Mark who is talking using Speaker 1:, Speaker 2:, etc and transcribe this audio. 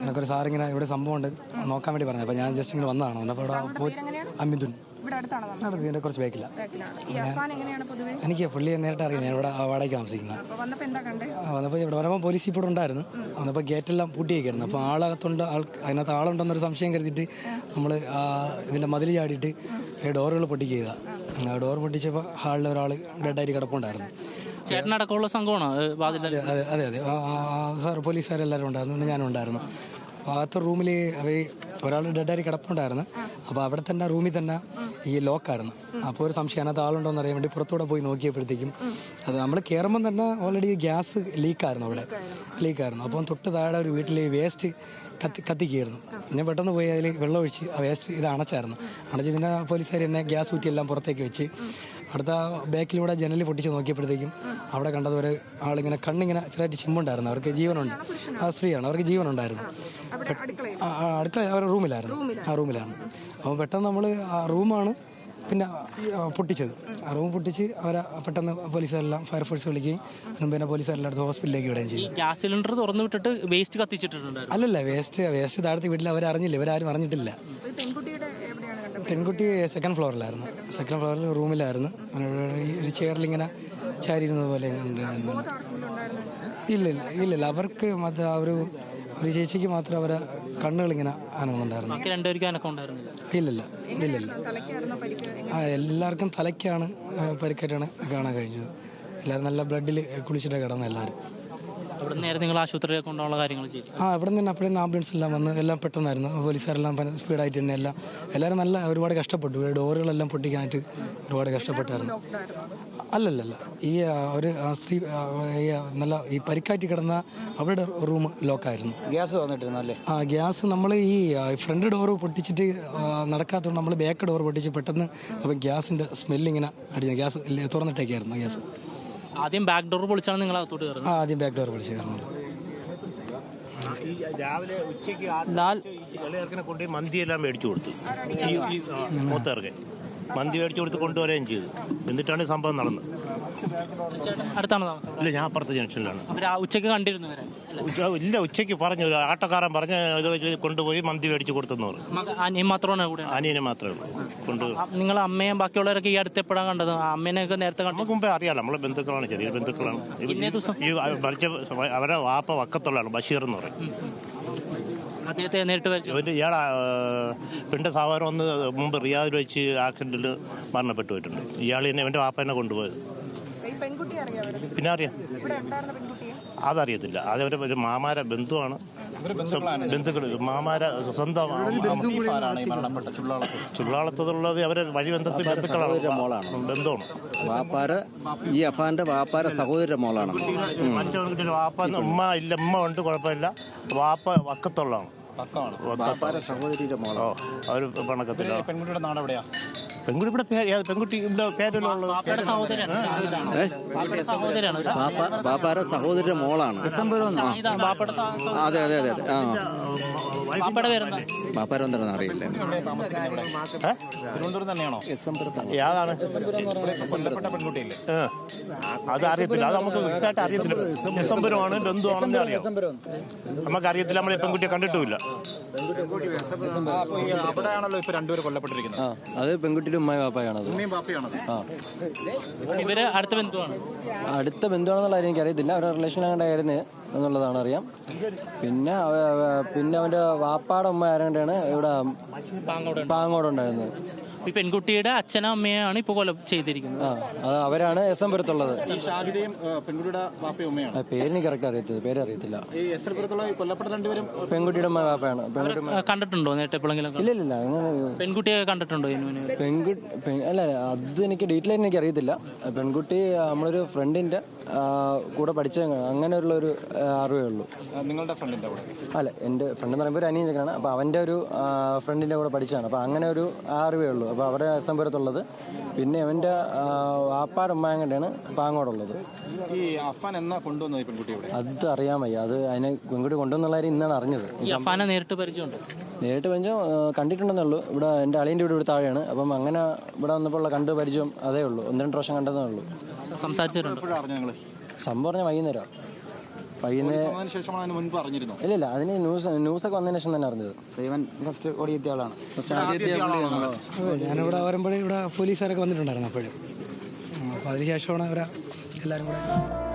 Speaker 1: എനിക്കൊരു സാറിങ്ങനെ ഇവിടെ സംഭവം ഉണ്ട് നോക്കാൻ വേണ്ടി പറഞ്ഞത്. അപ്പോൾ ഞാൻ ജസ്റ്റ് ഇങ്ങനെ വന്നതാണ്. വന്നപ്പോൾ ഇവിടെ അമിതുൻ ഇതിൻ്റെ കുറച്ച് ബാക്കില്ല. എനിക്ക് പുള്ളിയെ നേരിട്ട് അറിയാം. ഞാൻ ഇവിടെ വാടകയ്ക്ക് താമസിക്കുന്നത്. വന്നപ്പോൾ ഇവിടെ വരുമ്പോൾ പോലീസ് ഇപ്പോൾ ഉണ്ടായിരുന്നു. വന്നപ്പോൾ ഗേറ്റെല്ലാം പൂട്ടിയേക്കായിരുന്നു. അപ്പോൾ ആളകത്തുണ്ട്, അതിനകത്ത് ആളുണ്ടെന്നൊരു സംശയം കരുതിയിട്ട് നമ്മൾ ഇതിൻ്റെ മതിൽ ചാടിയിട്ട് ഡോറുകൾ പൊട്ടിക്കുക. ഡോർ പൊട്ടിച്ചപ്പോൾ ഹാളിൽ ഒരാൾ ഡെഡായിട്ട് കിടപ്പുണ്ടായിരുന്നു.
Speaker 2: ചേട്ടനടക്കമുള്ള സംഘമാണോ?
Speaker 1: അതെ അതെ അതെ സാർ പോലീസുകാരെല്ലാവരും ഉണ്ടായിരുന്നു. പിന്നെ ഞാനും ഉണ്ടായിരുന്നു. അപ്പോൾ അകത്തെ റൂമിൽ ഒരാൾ ഡെഡായി കിടപ്പുണ്ടായിരുന്നു. അപ്പോൾ അവിടെ തന്നെ റൂമിൽ തന്നെ ഈ ലോക്കായിരുന്നു. അപ്പോൾ ഒരു സംശയം അതിനകത്ത് ആളുണ്ടോയെന്ന് അറിയാൻ വേണ്ടി പുറത്തൂടെ പോയി നോക്കിയപ്പോഴത്തേക്കും അത് നമ്മൾ കയറുമ്പം തന്നെ ഓൾറെഡി ഗ്യാസ് ലീക്കായിരുന്നു. അവിടെ ലീക്കായിരുന്നു. അപ്പം തൊട്ട് താഴെ ഒരു വീട്ടിൽ വേസ്റ്റ് കത്തിക്കായിരുന്നു. ഞാൻ പെട്ടെന്ന് പോയി അതിൽ വെള്ളം ഒഴിച്ച് ആ വേസ്റ്റ് ഇത് അണച്ചായിരുന്നു. അണച്ച് പിന്നെ പോലീസുകാർ എന്നെ ഗ്യാസ് ഊറ്റിയെല്ലാം പുറത്തേക്ക് വെച്ച് അടുത്ത ബാക്കിലൂടെ ജനലിൽ പൊട്ടിച്ച് നോക്കിയപ്പോഴത്തേക്കും അവിടെ കണ്ടത് ഒരു ആളിങ്ങനെ കണ്ണിങ്ങനെ ചെറുതായിട്ട് ചിമ്മുണ്ടായിരുന്നു. അവർക്ക് ജീവനുണ്ട്. ആ സ്ത്രീയാണ്, അവർക്ക് ജീവനുണ്ടായിരുന്നു. അടുക്കള അവരുടെ റൂമിലായിരുന്നു. ആ റൂമിലാണ്. അപ്പോൾ പെട്ടെന്ന് നമ്മൾ ആ റൂമാണ് പിന്നെ പൊട്ടിച്ചത്. ആ റൂം പൊട്ടിച്ച് അവരെ പെട്ടെന്ന് പോലീസുകാരെല്ലാം ഫയർഫോഴ്സ് വിളിക്കുകയും പിന്നെ പോലീസുകാരെല്ലാം അടുത്ത് ഹോസ്പിറ്റലിലേക്ക് വിടുകയും ചെയ്യും.
Speaker 2: ഗ്യാസ് സിലിണ്ടർ തുറന്നു വിട്ടിട്ട് വേസ്റ്റ് കത്തിച്ചിട്ടുണ്ട്.
Speaker 1: അല്ലല്ല, വേസ്റ്റ് താഴത്തെ വീട്ടിൽ അവരറിഞ്ഞില്ല, ഇവരാരും അറിഞ്ഞിട്ടില്ല. പെൺകുട്ടി സെക്കൻഡ് ഫ്ലോറിലായിരുന്നു. സെക്കൻഡ് ഫ്ലോറിൽ റൂമിലായിരുന്നു. ഒരു ചെയറിലിങ്ങനെ ചാരിയിരുന്നത് പോലെ ഉണ്ടായിരുന്നു. ഇല്ലില്ല അവർക്ക് മാത്രം ഒരു ചേച്ചിക്ക് മാത്രം അവരെ കണ്ണുകളിങ്ങനെ അനങ്ങുന്നുണ്ടായിരുന്നു. ഇല്ലില്ല എല്ലാവർക്കും തലയ്ക്കാണ് പരിക്കേറ്റാണ് കാണാൻ കഴിഞ്ഞത്. എല്ലാവരും നല്ല ബ്ലഡിൽ കുളിച്ചിട്ട് കിടന്നു എല്ലാവരും.
Speaker 2: നിങ്ങൾ ആശുപത്രിയിൽ കൊണ്ടുള്ള കാര്യങ്ങൾ ചെയ്തു?
Speaker 1: ഇവിടെ നിന്ന് അപ്പോഴേ ആംബുലൻസ് എല്ലാം വന്ന് എല്ലാം പെട്ടെന്നായിരുന്നു. പോലീസുകാരെല്ലാം സ്പീഡായിട്ട് തന്നെ എല്ലാവരും നല്ല ഒരുപാട് കഷ്ടപ്പെട്ടു. ഡോറുകളെല്ലാം പൊട്ടിക്കാനായിട്ട് ഒരുപാട് കഷ്ടപ്പെട്ടായിരുന്നു. അല്ലല്ല ഈ ഒരു സ്ത്രീ നല്ല ഈ പരിക്കാറ്റി കിടന്ന അവരുടെ റൂം ലോക്കായിരുന്നു.
Speaker 3: ഗ്യാസ് വന്നിട്ടിരുന്നു അല്ലേ?
Speaker 1: ഗ്യാസ് നമ്മൾ ഈ ഫ്രണ്ട് ഡോറ് പൊട്ടിച്ചിട്ട് നടക്കാത്തതുകൊണ്ട് നമ്മൾ ബാക്ക് ഡോർ പൊട്ടിച്ച് പെട്ടെന്ന് അപ്പം ഗ്യാസിൻ്റെ സ്മെല്ലിങ്ങനെ അടിച്ചു. ഗ്യാസ് തുറന്നിട്ടേക്കായിരുന്നു ഗ്യാസ്.
Speaker 2: ആദ്യം ബാക്ക് ഡോർ പൊളിച്ചാണ് നിങ്ങൾ അകത്തോട്ട് കയറുന്നത്?
Speaker 1: ആദ്യം ബാക്ക് ഡോർ പൊളിച്ച് കയറുന്നത്.
Speaker 4: രാവിലെ ഉച്ചയ്ക്ക് ഇളയർക്കിനെ കൊണ്ടുപോയി മന്തിയെല്ലാം മേടിച്ചു കൊടുത്തു. മൂത്തർക്ക് മന്തി മേടിച്ചു കൊടുത്ത് കൊണ്ടുവരികയും ചെയ്തു. എന്നിട്ടാണ് സംഭവം നടന്നത്.
Speaker 2: അടുത്താണ് താമസം?
Speaker 4: ഇല്ല, ഞാൻ അപ്പുറത്തെ ജംഗ്ഷനിലാണ്.
Speaker 2: ഉച്ചയ്ക്ക് കണ്ടിരുന്നു?
Speaker 4: ഇല്ല, ഉച്ചയ്ക്ക് പറഞ്ഞു, ആട്ടോക്കാരൻ പറഞ്ഞ് ഇത് കൊണ്ടുപോയി മന്തി മേടിച്ചു കൊടുത്തെന്ന് പറഞ്ഞു. അനിയനെ മാത്രമേ ഉള്ളൂ കൊണ്ട്.
Speaker 2: നിങ്ങൾ അമ്മയും ബാക്കിയുള്ളവരൊക്കെ ഈ അടുത്ത് എപ്പോഴാണ് കണ്ടത്? അമ്മേനെയൊക്കെ നേരത്തെ കണ്ടു?
Speaker 4: നമുക്ക് മുമ്പേ അറിയാലോ, നമ്മളെ ബന്ധുക്കളാണ്, ചെറിയ ബന്ധുക്കളാണ്. ഈ മരിച്ച അവരെ വാപ്പ വക്കത്തുള്ളതാണ്, ബഷീർ എന്ന് പറയും.
Speaker 2: അദ്ദേഹത്തെ നേരിട്ട് വരച്ചു?
Speaker 4: ഇയാളെ പിന്നെ സാധാരണ ഒന്ന് മുമ്പ് റിയാദിൽ വെച്ച് ആക്സിഡന്റിൽ മരണപ്പെട്ടു പോയിട്ടുണ്ട്. ഇയാൾ എന്റെ വാപ്പ എന്നെ കൊണ്ടുപോയത്. പിന്നെ അറിയാം, അതറിയത്തില്ല. അതവരെ ഒരു മാമാര ബന്ധുവാണ്, ബന്ധുക്കൾ മാമാര സ്വന്തം. ചുള്ളാളത്തുള്ളത് അവരെ വഴി ബന്ധത്തിൽ ബന്ധുക്കളാണ്, ബന്ധമാണ്.
Speaker 3: ഈ അഫാന്റെ വാപ്പാര സഹോദര മോളാണ്.
Speaker 4: വാപ്പ ഉമ്മ ഇല്ല, ഉമ്മ ഉണ്ട്, കുഴപ്പമില്ല. വാപ്പ വക്കത്തുള്ളതാണ്,
Speaker 3: സഹോദരിയുടെ മോളോ.
Speaker 4: അവർ പണക്കത്തില്ല.
Speaker 3: പെൺകുട്ടിയുടെ നാട് എവിടെയാ?
Speaker 4: പെൺകുട്ടി ഇവിടെ പെൺകുട്ടി ഇവിടെ പേരല്ലോ.
Speaker 3: ബാപ്പാര സഹോദരിയുടെ മോളാണ്. അതെ അതെ അതെ. ബാപ്പാര എന്താണെന്ന് അറിയില്ല.
Speaker 4: തിരുവനന്തപുരം തന്നെയാണോ? യാതാണ് അത് അറിയത്തില്ല. അത് നമുക്ക് വ്യക്തമായിട്ട് അറിയത്തില്ല. ഡിസംബറുമാണ്, ബന്ധുവാണെന്ന് അറിയാം. നമുക്കറിയത്തില്ല, നമ്മളെ പെൺകുട്ടിയെ കണ്ടിട്ടുമില്ല.
Speaker 3: അവിടെയാണല്ലോ ഇപ്പൊ രണ്ടുപേരും കൊല്ലപ്പെട്ടിരിക്കുന്നത്. അത് പെൺകുട്ടിയുടെ ഉമ്മയും ബാപ്പയാണത്.
Speaker 2: ഇവര് അടുത്ത ബന്ധുവാണ്?
Speaker 3: അടുത്ത ബന്ധുവാണെന്നുള്ള കാര്യം എനിക്കറിയത്തില്ല. അവരുടെ റിലേഷൻ അങ്ങോട്ടായിരുന്നു എന്നുള്ളതാണ് അറിയാം. പിന്നെ അവന്റെ വാപ്പാടെ ഉമ്മ ആരാണ്ടാണ് ഇവിടെ പാങ്ങോടുണ്ടായിരുന്നത്.
Speaker 2: ഈ പെൺകുട്ടിയുടെ അച്ഛനും അമ്മയാണ് ഇപ്പൊ കൊല ചെയ്തിരിക്കുന്നത്.
Speaker 3: അത് അവരാണ് എസ് എം പുരത്തുള്ളത്. പേര് എനിക്ക് കറക്റ്റ് അറിയത്തില്ല, പേര് അറിയത്തില്ല. പെൺകുട്ടിയുടെ ഉമ്മ വാപ്പയാണ്.
Speaker 2: കണ്ടിട്ടുണ്ടോ നേരിട്ട് എപ്പോഴെങ്കിലും?
Speaker 3: ഇല്ലില്ല.
Speaker 2: പെൺകുട്ടിയെ കണ്ടിട്ടുണ്ടോ?
Speaker 3: അല്ല, അത് എനിക്ക് ഡീറ്റെയിൽ ആയിട്ട് എനിക്ക് അറിയത്തില്ല. പെൺകുട്ടി നമ്മളൊരു ഫ്രണ്ടിന്റെ കൂടെ പഠിച്ച അങ്ങനെ ഉള്ളൊരു അറിവേ ഉള്ളൂ.
Speaker 5: നിങ്ങളുടെ ഫ്രണ്ടിന്റെ കൂടെ?
Speaker 3: അല്ല, എൻ്റെ ഫ്രണ്ട് എന്ന് പറയുമ്പോൾ ഒരു അനിയൻ ചെക്കനാണ്. അപ്പോൾ അവൻ്റെ ഒരു ഫ്രണ്ടിന്റെ കൂടെ പഠിച്ചതാണ്. അപ്പോൾ അങ്ങനെ ഒരു അറിവേ ഉള്ളൂ. അപ്പോൾ അവരുടെ സംഭവത്തുള്ളത്. പിന്നെ അവൻ്റെ വാപ്പാട് ഉമ്മാങ്ങണ്ടാണ് പാങ്ങോടുള്ളത്.
Speaker 5: ഈ അഫാൻ എന്നാ കൊണ്ടുവന്നത് ഈ പെൺകുട്ടിയുടെ?
Speaker 3: അത് അറിയാൻ വയ്യ. അത് അതിനെ പെൺകുട്ടി കൊണ്ടുവന്നുള്ള കാര്യം ഇന്നാണ് അറിഞ്ഞത്.
Speaker 2: നേരിട്ട് പരിചയം
Speaker 3: കണ്ടിട്ടുണ്ടെന്നേ ഉള്ളൂ. ഇവിടെ എൻ്റെ അളിയൻ്റെ വീട് ഇവിടെ താഴെയാണ്. അപ്പം അങ്ങനെ ഇവിടെ വന്നപ്പോൾ ഉള്ള കണ്ട് പരിചയം അതേ ഉള്ളൂ. 1-2 പ്രാവശ്യം കണ്ടതേ ഉള്ളൂ.
Speaker 2: സംസാരിച്ചിട്ടുണ്ട്.
Speaker 3: സംഭവം പറഞ്ഞാൽ വൈകുന്നേരം വൈകുന്നേരം
Speaker 5: അതിനുശേഷമാണ് അതിന് മുൻപ് അറിഞ്ഞിരുന്നു.
Speaker 3: ഇല്ല അതിന് ന്യൂസൊക്കെ വന്നതിന് ശേഷം തന്നെ അറിഞ്ഞത്.
Speaker 6: ഇവൻ ഫസ്റ്റ് ഓടിയെത്തിയ ആളാണ്.
Speaker 1: ഞാനിവിടെ വരുമ്പോഴേ ഇവിടെ പോലീസുകാരൊക്കെ വന്നിട്ടുണ്ടായിരുന്നു അപ്പോഴും. അപ്പോൾ അതിന് ശേഷമാണ് അവരെ എല്ലാവരും കൂടെ